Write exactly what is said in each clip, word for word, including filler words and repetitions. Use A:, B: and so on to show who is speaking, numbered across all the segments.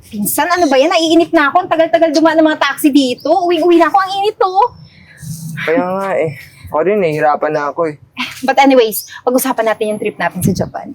A: Pinsan, ano ba yan? Naiinip na ako. Ang tagal-tagal dumaan ng mga taxi dito. Uwing-uwi na ako. Ang init to.
B: Kaya nga eh. Ako rin, nahihirapan na ako eh.
A: But anyways, pag-usapan natin yung trip natin sa Japan.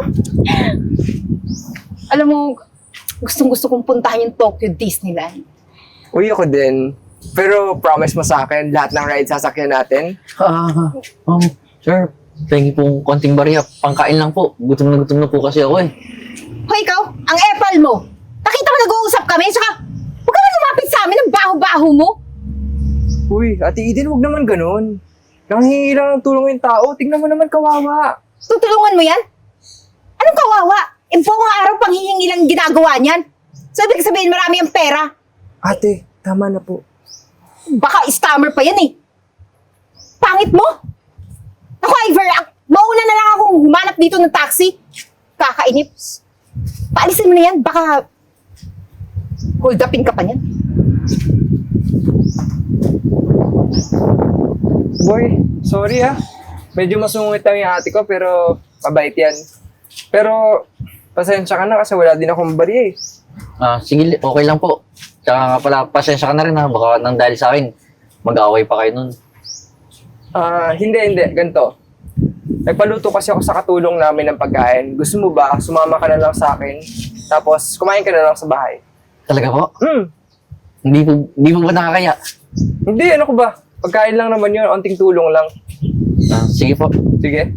A: Alam mo, gustong-gusto kong puntahan yung Tokyo Disneyland.
B: Uy, ako din. Pero promise mo sa akin, lahat ng rides sasakyan natin.
C: Ah, um, sir, pengi pong konting bariya. Pangkain lang po. Gutom na gutom na po kasi ako eh.
A: Hoy, ikaw, ang epal mo. Nakita mo nag-uusap kami, saka huwag ka na lumapit sa amin ang baho-baho mo.
B: Uy, Ate Eden, huwag naman ganun. Nanghihingi lang ng tulong yung tao. Tingnan mo naman kawawa.
A: Tutulungan mo yan? Anong kawawa? E buong araw panghihingi lang ginagawa niyan. So, ibig sabihin marami ang pera.
B: Ate, tama na po.
A: Baka stammer pa yan eh. Pangit mo? Ako, Iver, ak- mauna na lang akong humanap dito ng taxi. Kakainip. Paalisin mo na yan, baka hold upin ka pa niyan.
B: Boy, sorry ah. Medyo masungit lang yung ate ko, pero mabait yan. Pero, pasensya ka na kasi wala din akong bariya eh.
C: Ah, sige, okay lang po. Tsaka nga pala, pasensya ka na rin ha. Baka nang dahil sa akin, mag-aaway pa kayo nun.
B: Ah, hindi, hindi. Ganito. Nagpaluto kasi ako sa katulong namin ng pagkain. Gusto mo ba, sumama ka na lang sa akin, tapos kumain ka na lang sa bahay?
C: Talaga po?
B: Hmm,
C: Hindi po, hindi po ba nakakaya?
B: hindi, ano ko ba? Pagkain lang naman yun, onting tulong lang.
C: Ah, sige po.
B: Sige.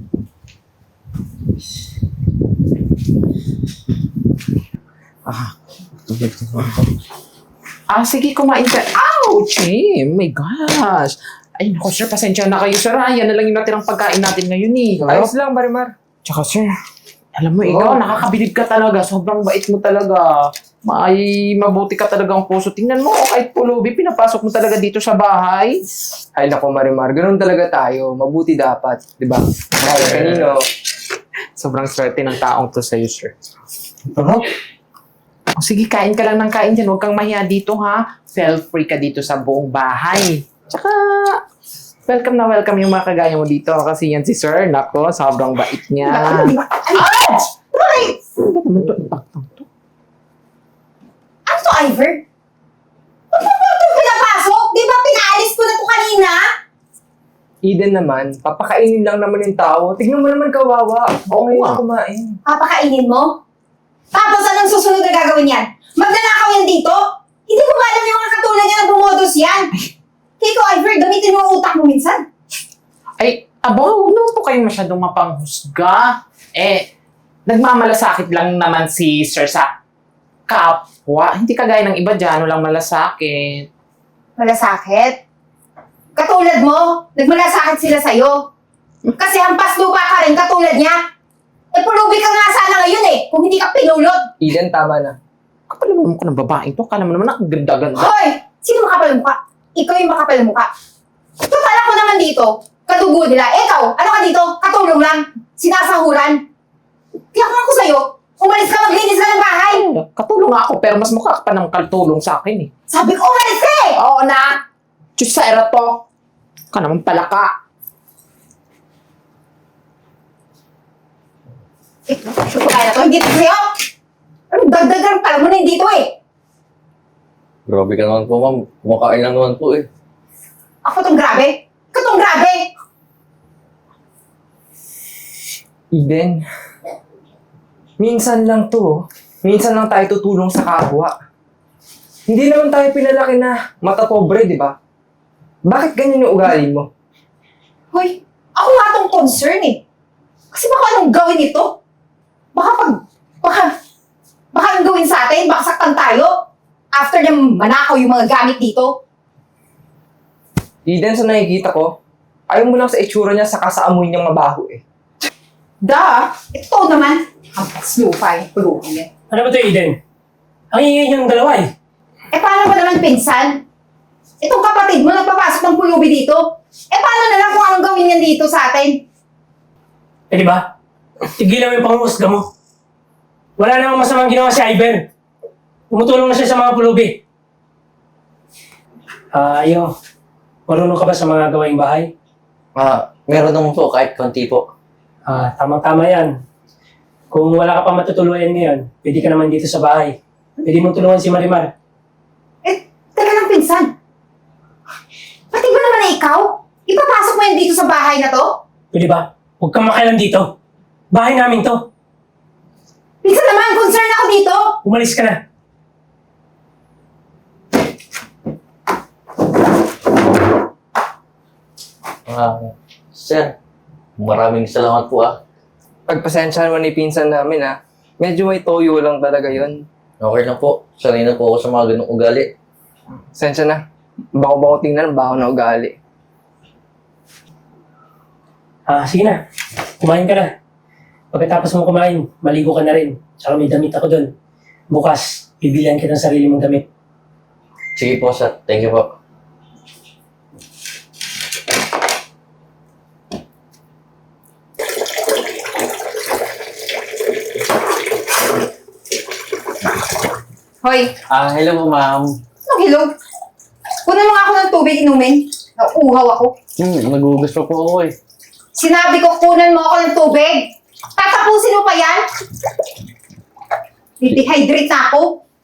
D: Ah, sige, kumain ka. Ouch! Eh, my gosh! Ay, naku, sir, pasensya na kayo, sir. Ah, yan na lang yung natirang pagkain natin ngayon, eh.
B: Ayos lang, Marimar.
D: Tsaka, sir, alam mo, ikaw,
B: Oh.
D: nakakabilib ka talaga. Sobrang bait mo talaga. May mabuti ka talaga ang puso. Tingnan mo, kahit pulubi, pinapasok mo talaga dito sa bahay.
B: Ay, naku, Marimar. Ganun talaga tayo. Mabuti dapat. Di ba? Kaya kanino.
D: Sobrang swerte ng taong to sa'yo, sir. Oh, sige, kain ka lang ng kain dyan. Huwag kang mahiya dito, ha? Feel free ka dito sa buong bahay. Tsaka, welcome na welcome yung mga kagaya mo dito. Kasi yan si sir, nako, sobrang bait niya.
A: Ano ba? Ano ba? Right!
D: Ano ba naman to? Impaktang to?
A: Ano to, Iver? Ba't mo ba ito pinapasok? Di ba pinaalis ko na to kanina?
B: Eden naman, papakainin lang naman yung tao. Tignan mo naman kawawa.
D: Oo
B: Okay
D: nga.
B: na kumain.
A: Papakainin mo? Tapos anong susunod na gagawin yan? Magnanakaw yan dito? Hindi ko ba alam yung mga katulad niya na bumodos yan? Kiko, Iver, gamitin mo ang utak mo minsan.
D: Ay, abo, huwag naman po kayong masyadong mapanghusga. Eh, nagmamalasakit lang naman si sir sa kapwa. Hindi kagaya ng iba dyan, walang malasakit.
A: Malasakit? Katulad mo, nagmalasakit sila sa'yo. Kasi hampas lupa ka rin katulad niya. Eh, pulubi ka nga sana ngayon eh, kung hindi ka pinulot.
B: Eden, tama na.
D: Kapal mo ko ng babaeng to, kala mo naman ang ganda-ganda.
A: Hoy! Sino makapal ang mukha? Ikaw yung makapal ang mukha. Total ako naman dito, kadugo nila. Ikaw, ano ka dito? Katulong lang. Sinasahuran. Kaya kung ako sa'yo, umalis ka, maglinis ka ng bahay.
D: Katulong nga ako, pero mas mukha ka pa ng katulong sa akin eh.
A: Sabi ko, umalis ka eh!
D: Oo na! Diyos sa era to! Ka naman pala ka.
A: Ito, ito kaya na to, hindi ito sa'yo. Anong dagdagan pala mo na hindi ito eh.
C: Grabe ka naman po, ma'am. Kumakain lang naman po eh.
A: Ako tong grabe. Ikaw tong grabe.
B: Eden, minsan lang to. oh. Minsan lang tayo tutulong sa kapwa. Hindi naman tayo pinalaki na mata pobre, di ba? Bakit ganyan yung ugali mo?
A: Hoy, ako nga tong concern eh. Kasi baka anong gawin ito? Baka pag, baka, baka anong gawin sa atin? Baka saktan tayo? After na manakaw yung mga gamit dito?
B: Eden, sa nakikita ko, ayaw mo lang sa itsura niya saka sa amoy niyang mabaho eh.
A: Da, ito naman. Hampas lupa yung pulubi yan.
E: Ano ba ito, Eden? Ang ingay niyong dalawa eh.
A: Eh paano ba naman pinsan? Itong kapatid mo nagpapasok ng pulubi dito? Eh paano na lang kung anong gawin niyan dito sa atin?
E: Eh di ba? Tigilan mo yung panghusga mo. Wala namang masamang ginawa si Ivan. Tumutulong na siya sa mga pulubi. Ah, iyo. Marunong ka ba sa mga gawaing bahay?
C: Ah, meron naman po kahit konti po.
E: Ah, tamang-tama yan. Kung wala ka pa matutuluyan ngayon, pwede ka naman dito sa bahay. Pwede mong tulungan si Marimar.
A: Eh, teka lang, pinsan. Pati ba naman na ikaw? Ipapasok mo yan dito sa bahay na to?
E: Pwede ba? Huwag kang makialam dito. Bahay namin to.
A: Pinsan naman, concern ako dito.
E: Umalis ka na.
C: Ah, sir, maraming salamat po ah.
B: Pagpasensyahan mo ni pinsan namin ha. Medyo may toyo lang talaga yon.
C: Okay lang po. Sanay na po ako sa mga ganong ugali.
B: Sensya na. Bako-bako tingnan, bako na ugali.
E: Ah, sige na. Kumain ka na. Pagkatapos mo kumain, maligo ka na rin. Tsaka may damit ako doon. Bukas, bibilihan kita ng sarili mong damit.
C: Sige po, sir. Thank you po.
A: Hoy,
C: Ah, hello po, ma'am.
A: anong hilog? Kunan mo nga ako ng tubig inumin. Nauuhaw ako.
C: Hmm, nagugus pa po ako eh.
A: Sinabi ko, kunan mo ako ng tubig. Tatapusin mo pa yan? Dehydrate na ako.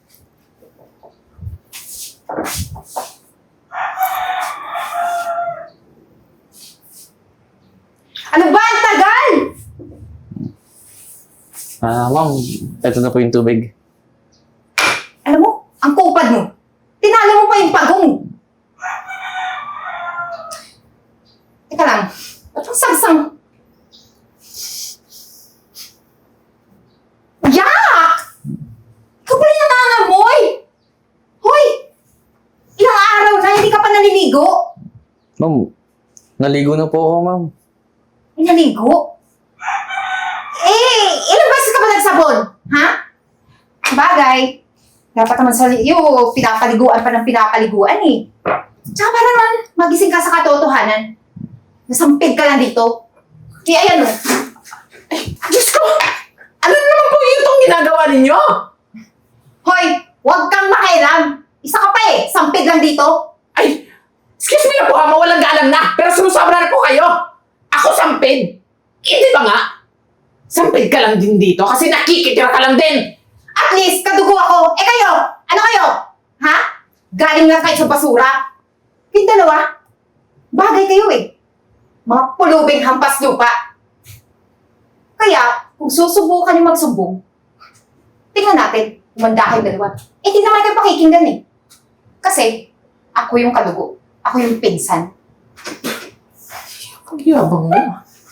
A: Ano ba? Ang tagal!
C: Ah, ma'am, ito na po yung tubig.
A: Alam mo, ang kupad mo. Tinalo mo pa yung pagong. Teka lang. Ba't ang sangsang? Yak! Ikaw pala yung nangangamoy! Hoy! Ilang araw na hindi ka pa naliligo.
C: Ma'am, naligo na po ako, ma'am.
A: Ay, naligo? Eh, ilang beses ka ba nagsabon? Ha? Bagay. Dapat naman sa iyo, pinapaliguan pa ng pinapaliguan eh. Tsaka para naman magising ka sa katotohanan. Nasampid ka lang dito. Kaya ayan o.
D: Diyos ko! Ano naman po yun itong ginagawa ninyo?
A: Hoy, huwag kang makialam. Isa ka pa eh, sampid lang dito.
D: Ay, excuse me na po ha, mawalang galang na. Pero sumusobra na po kayo. Ako sampid. Hindi ba nga? Sampid ka lang din dito kasi nakikitira ka lang din.
A: At least, kadugo ako. Eh kayo, ano kayo? Ha? Galing lang kayo sa basura. Yung dalawa, bagay kayo eh. Mga pulubing hampas lupa. Kaya, kung susubukan yung magsubong, tingnan natin, umanda kayong dalawa. Eh, di naman kayo pakikinggan eh. Kasi, ako yung kadugo. Ako yung pinsan.
D: Ang yabang mo.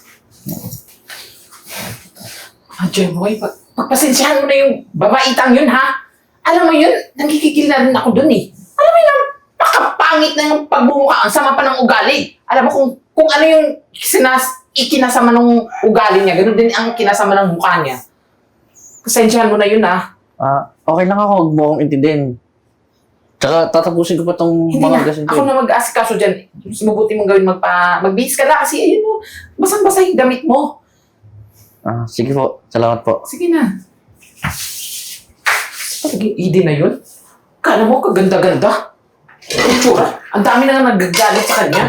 D: Ah, Jemoy, pag pagpasensyahan mo na yung babaitang yun, ha? Alam mo yun, nagkikigil na rin ako dun eh. Alam mo yun, napakapangit na yung pagbumuka, ang sama pa ng ugali. Alam mo kung kung ano yung sinas, ikinasama ng ugali niya, ganun din ang kinasama ng mukha niya. Pasensyahan mo na yun, ha?
C: Ah, okay lang ako, huwag mo akong intindihin. Tsaka tatapusin ko pa tong
D: Hindi
C: mga
D: na,
C: gasin
D: ako
C: ko.
D: na mag-asikaso dyan. Mas mabuti mong gawin magpa, magbihis ka na kasi ayun mo, basang-basa yung damit mo.
C: Ah, sige po. Salamat po.
D: Sige na. Naging Eden na yun? Kala mo kaganda-ganda? Ang tsura. Ang dami na nga nagagalit sa kanya.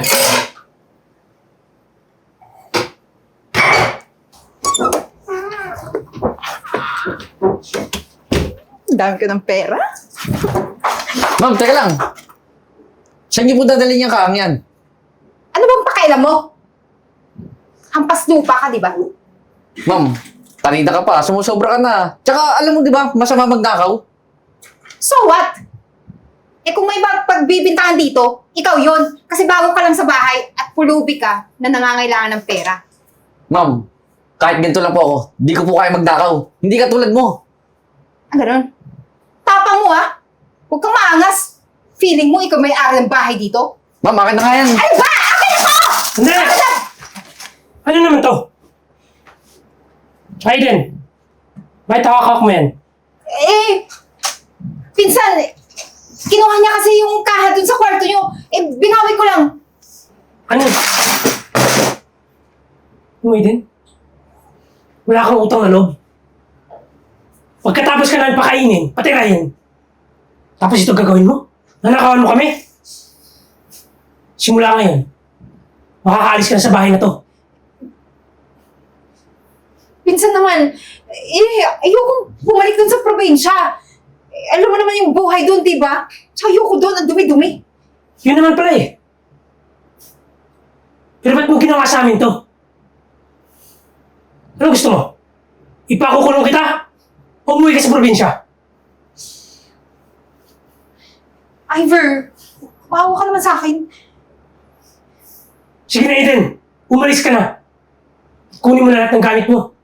A: Ang dami ko ng pera.
C: Ma'am, teka lang. Saan niyo po dadalhin yung kaang yan?
A: Ano bang pakailan mo? Hampas lupa ka, di ba?
C: Ma'am, tanida ka pa. Sumusobra ka na. Tsaka, alam mo di ba, masama magnakaw?
A: So what? Eh kung may mag- pagbibintangan dito, ikaw yun. Kasi bago ka lang sa bahay at pulubi ka na nangangailangan ng pera.
C: Ma'am, kahit ganito lang po ako, di ko po kaya magnakaw. Hindi ka tulad mo.
A: Ah, ganun. Tapang mo ah. Huwag kang maangas. Feeling mo ikaw may ari ng bahay dito?
C: Ma'am, akin na nga yan.
A: Ano ba? Akin ako!
E: Hindi! Ano naman to? Aiden, bakit hawak mo yan?
A: Eh, pinsan, kinuha niya kasi yung kaha dun sa kwarto niyo. Eh, binawi ko lang.
E: Ano? Ano, Aiden? Wala kang utang na loob. Pagkatapos ka namin pakainin, patirahin. Tapos ito gagawin mo? Nanakawan mo kami? Simula ngayon, makakaalis ka na sa bahay na to.
A: Pinsan naman, eh, ayokong bumalik dun sa probinsya. Eh, alam mo yung buhay doon, di ba? Tsaka ayoko doon, ang dumi-dumi.
E: Yun naman pala eh. Pero ba't mo ginawa sa amin to? Ano gusto mo? Ipakukulong kita? O umuwi ka sa probinsya?
A: Ivor, maawa ka naman sa akin.
E: Sige na, Eden. Umalis ka na. Kunin mo na lahat ng gamit mo.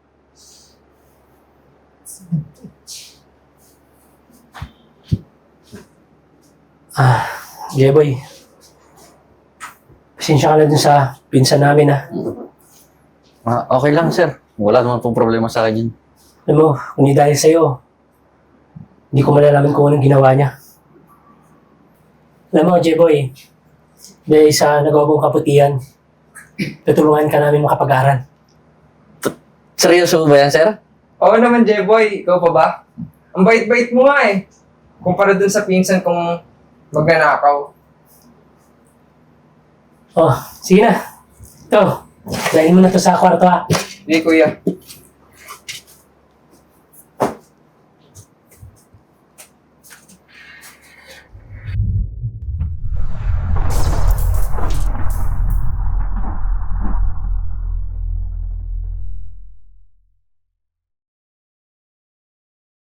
E: Ah, Jeboy. Pasensya ka na dun sa pinsan namin, ha.
C: Ah, okay lang, sir. Wala naman pong problema sa akin yun.
E: Alam mo, kung hindi dahil sa'yo, hindi ko malalaman kung anong ginawa niya. Alam mo, Jeboy, dahil sa nagawa mong kaputihan, tutulungan ka namin makapag-aral.
C: Seryoso ba yan, sir?
B: Oo naman, Jeboy. Ikaw pa ba? Ang bait-bait mo nga eh. Kumpara dun sa pinsan kong magnanakaw.
E: Oh, sige na. Ito, dahil mo na to sa kwarto, ha.
B: Hindi, kuya.